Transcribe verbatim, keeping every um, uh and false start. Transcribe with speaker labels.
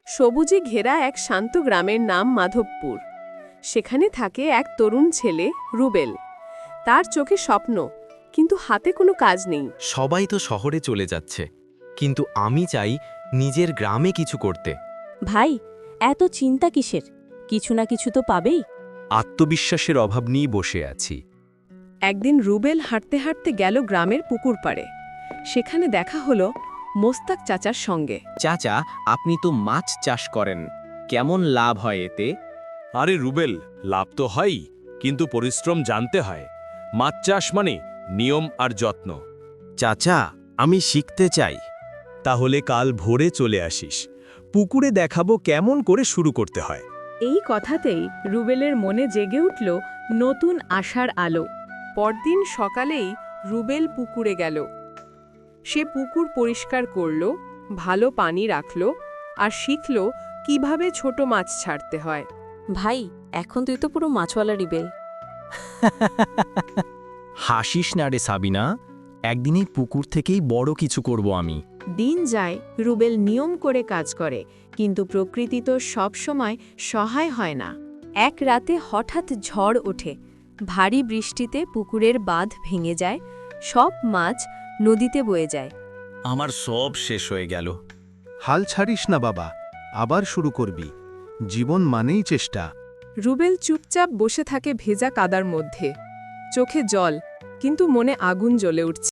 Speaker 1: সবুজে ঘেরা এক শান্ত গ্রামের নাম মাধবপুর। সেখানে থাকে এক তরুণ ছেলে রুবেল। তার চোখে স্বপ্ন, কিন্তু হাতে কোনো কাজ নেই।
Speaker 2: সবাই তো শহরে চলে যাচ্ছে, কিন্তু আমি চাই নিজের গ্রামে কিছু করতে।
Speaker 3: ভাই, এত চিন্তা কিসের? কিছু না কিছু তো পাবেই।
Speaker 2: আত্মবিশ্বাসের অভাব নিয়ে বসে আছি।
Speaker 1: একদিন রুবেল হাঁটতে হাঁটতে গেল গ্রামের পুকুর পাড়ে। সেখানে দেখা হলো মোস্তাক চাচার সঙ্গে।
Speaker 4: চাচা, আপনি তো মাছ চাষ করেন, কেমন লাভ হয় এতে?
Speaker 5: আরে রুবেল, লাভ তো হয়ই, কিন্তু পরিশ্রম জানতে হয়। মাছ চাষ মানে নিয়ম আর যত্ন।
Speaker 4: চাচা, আমি শিখতে চাই।
Speaker 5: তাহলে কাল ভোরে চলে আসিস, পুকুরে দেখাবো কেমন করে শুরু করতে হয়।
Speaker 1: এই কথাতেই রুবেলের মনে জেগে উঠল নতুন আশার আলো। পরদিন সকালেই রুবেল পুকুরে গেল। সে পুকুর পরিষ্কার করল, ভালো পানি রাখল, আর শিখল কিভাবে ছোট মাছ ছাড়তে হয়।
Speaker 3: ভাই, এখন তুই তো পুরো মাছওয়ালা রিবেল।
Speaker 4: হাসিস না রে সাবিনা, একদিনই পুকুর থেকেই বড় কিছু করব আমি।
Speaker 1: দিন যায়, রুবেল নিয়ম করে কাজ করে, কিন্তু প্রকৃতি তো সবসময় সহায় হয় না।
Speaker 3: এক রাতে হঠাৎ ঝড় ওঠে। ভারী বৃষ্টিতে পুকুরের বাঁধ ভেঙে যায়, সব মাছ নদীতে বয়ে যায়।
Speaker 2: আমার সব শেষ হয়ে গেল।
Speaker 6: হাল ছাড়িস না বাবা, আবার শুরু করবি। জীবন মানেই চেষ্টা।
Speaker 1: রুবেল চুপচাপ বসে থাকে ভেজা কাদার মধ্যে, চোখে জল, কিন্তু মনে আগুন জ্বলে উঠছে।